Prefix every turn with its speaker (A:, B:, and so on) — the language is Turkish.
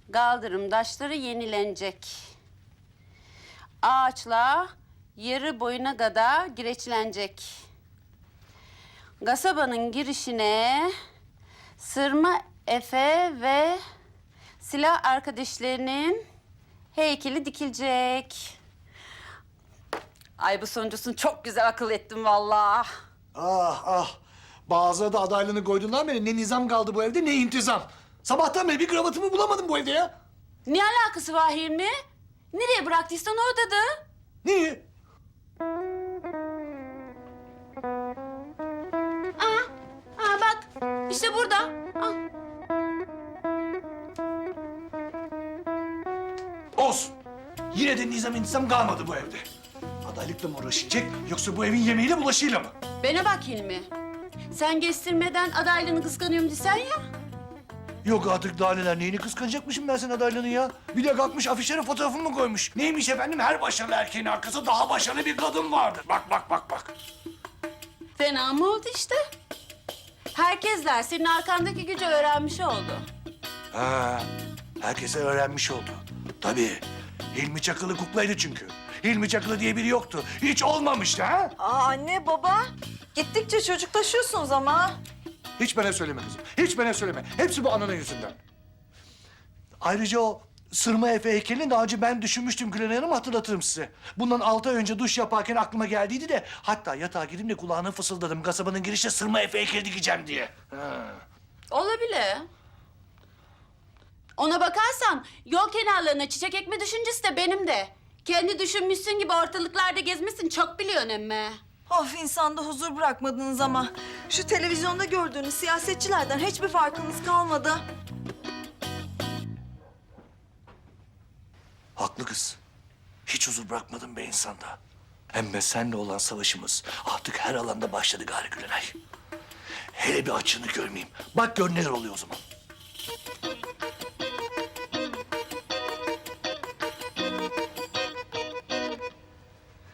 A: kaldırım taşları yenilenecek. Ağaçlar yarı boyuna kadar gireçlenecek. Kasabanın girişine Sırma Efe ve silah arkadaşlarının heykeli dikilecek. Ay bu sonuncusunu çok güzel akıl ettim vallahi.
B: Ah ah. Bazıları da adaylığını koyduğundan beri ne nizam kaldı bu evde ne intizam. Sabahtan beri bir kravatımı bulamadım bu evde ya.
A: Ne alakası var Hilmi? Nereye bıraktıysan oradadır.
B: Niye?
A: Aa bak işte burada. Al.
B: Olsun. Yine de nizam intizam kalmadı bu evde. Adaylıkla mı uğraşacak yoksa bu evin yemeğiyle bulaşıyla mı?
A: Bana bak Hilmi. Sen kestirmeden adaylığını kıskanıyorum desen ya.
B: Yok artık daha neler. Neyini kıskanacakmışım ben senin adaylığını ya? Bir de kalkmış afişlere fotoğrafımı koymuş. Neymiş efendim? Her başarılı erkeğin arkasında daha başarılı bir kadın vardır. Bak bak bak bak.
A: Fena mı oldu işte? Herkesler senin arkandaki gücü öğrenmiş oldu.
B: Ha, herkese öğrenmiş oldu. Tabii. Hilmi Çakılı kuklaydı çünkü. Hilmi Çakılı diye biri yoktu. Hiç olmamıştı ha?
C: Aa anne baba. Gittikçe çocuklaşıyorsunuz ama.
B: Hiç bana söyleme kızım. Hiç bana söyleme. Hepsi bu ananın yüzünden. Ayrıca o Sırma Efe heykelini daha önce ben düşünmüştüm Gülen Hanım, hatırlatırım size. Bundan 6 ay önce duş yaparken aklıma geldiydi de... ...hatta yatağa girdim de kulağına fısıldadım. Kasabanın girişte Sırma Efe heykeli dikeceğim diye. Ha.
A: Olabilir. Ona bakarsan yol kenarlarına çiçek ekme düşüncesi de benim de. Kendi düşünmüşsün gibi ortalıklarda gezmişsin çok biliyorsun emme.
C: Of insanda huzur bırakmadınız ama. Şu televizyonda gördüğünüz siyasetçilerden hiçbir farkınız kalmadı.
B: Haklı kız. Hiç huzur bırakmadın be insanda. Hem de seninle olan savaşımız artık her alanda başladı gari Gülenay. Hele bir açığını görmeyeyim. Bak gör neler oluyor o zaman.